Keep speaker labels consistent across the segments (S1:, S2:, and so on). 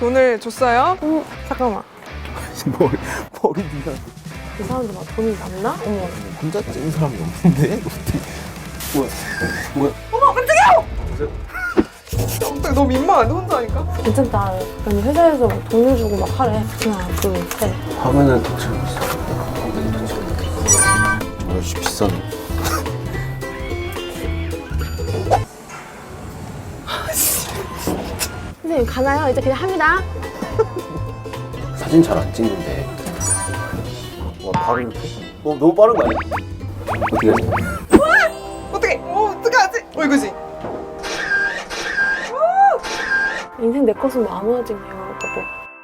S1: 돈을 줬어요?
S2: 잠깐만.
S3: 머리 네가
S2: 이 사람들 막 돈이 남나? 어머.
S3: 혼자 찍은 사람이 없는데? 어떻게? 뭐야?
S1: 어머 깜짝이야! 깜짝 너무 민망한데 혼자 하니까?
S2: 괜찮다. 아니 회사에서 막 돈을 주고 막 하래. 하나, 둘, 셋.
S3: 화면은 더 채우고 있어. 아저씨 비싸네.
S2: 선생님 가나요? 이제 그냥 합니다.
S3: 사진 잘 안 찍는데. 와 바로 이렇게? 너무 빠른 거 아니야? 어떻게 하지?
S1: 어떻게? 어떡하지? 이거지?
S2: 인생 내 것은 마무너지네요. 그것도.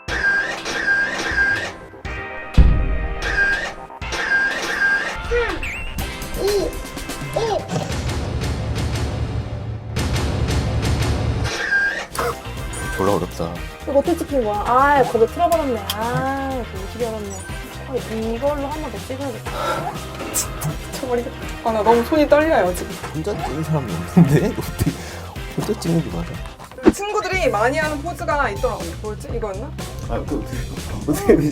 S3: 졸라 어렵다.
S2: 이거 어떻게 찍힌 거야? 아, 거기 틀어버렸네. 아, 너무 어렵네. 이걸로 한 번 더 찍어야겠다.
S1: 미쳐버리겠다. 아, 나 너무 손이 떨려요, 지금.
S3: 혼자 찍은 사람이 없는데? 어떻게 혼자 찍는 게 맞아?
S1: 친구들이 많이 하는 포즈가 있더라고요. 뭐였지? 이거였나?
S3: 아, 어떻게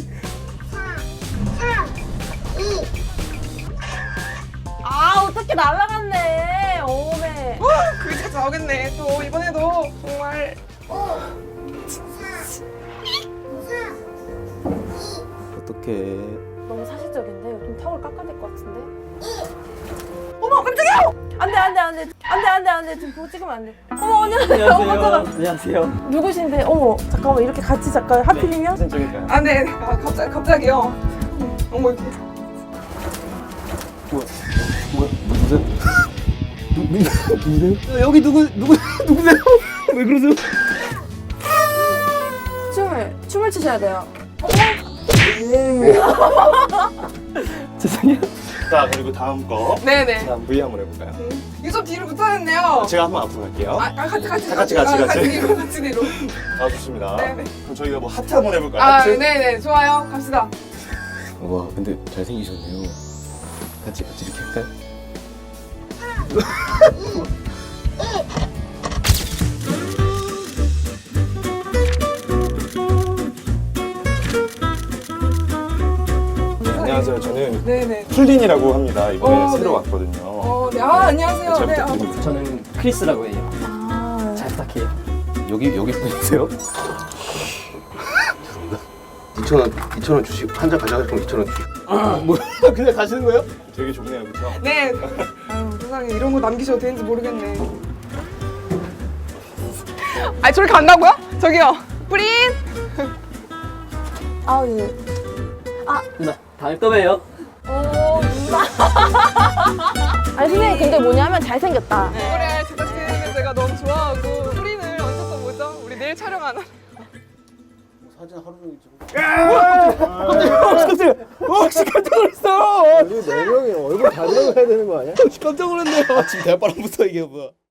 S2: 아, 어떻게 날아갔네. 오메.
S1: 그게 자주 나오겠네. 또 이번에도 정말.
S3: 어떻게?
S2: 너무 사실적인데? 이거 좀 턱을 깎아야 될 것 같은데?
S1: 어머, 깜짝이야!
S2: 안 돼. 지금 보고 찍으면 안 돼. 어머, 안녕하세요.
S4: 안녕하세요.
S2: 누구신데? 어머, 잠깐만. 이렇게 같이 잠깐 하필이면?
S4: 사진 찍을까요?
S1: 아, 네. 아, 갑자기요. 어머, 이렇게.
S3: 누구세요? 누구세요?
S4: 여기 누구세요? 왜 그러세요?
S2: 춤을 추셔야 돼요.
S4: 죄송해요. 자, 그리고 다음 거.
S1: 네네.
S4: 다음 V 한번 해볼까요?
S1: 이거 좀 뒤로 붙어야겠네요.
S4: 제가 한번 앞으로 갈게요.
S1: 같이 뒤로.
S4: 아, 좋습니다.
S1: 네네.
S4: 그럼 저희가 뭐 하트 한번 해볼까요?
S1: 아,
S4: 하트?
S1: 네네. 좋아요. 갑시다.
S3: 와, 근데 잘생기셨네요. 같이 이렇게 할까요?
S4: 안녕하세요. 저는
S1: 네네.
S4: 풀린이라고 합니다. 이번에 새로
S1: 네.
S4: 왔거든요.
S1: 네. 아, 안녕하세요.
S4: 잘
S1: 네.
S4: 부탁드립니다.
S5: 저는 크리스라고 해요.
S2: 아,
S5: 잘 부탁해요.
S3: 여기 분이세요? 2,000원 주시고 한 잔 가져갈 거면 2,000원 주시고.
S4: 뭐 그냥 가시는 거예요? 되게 좋네요, 그렇죠?
S1: 네. 아유, 세상에 이런 거 남기셔도 되는지 모르겠네. 아, 저렇게 간다고요? 저기요. 프린!
S2: 아, 예.
S5: 누나, 다음에 또 봬요.
S2: 아니, 선생님, 근데 뭐냐면 잘생겼다.
S1: 그래, 제작진을 제가 너무 좋아하고 프린을 언제 또 보죠? 우리 내일 촬영하나?
S3: 사진 하루 종일 찍고.
S4: 혹시 깜짝 놀랐어!
S3: 우리 4명이 얼굴 다 들어가야 되는 거 아니야?
S4: 깜짝 놀랐네요. 아침 대바람부터 이게 뭐야?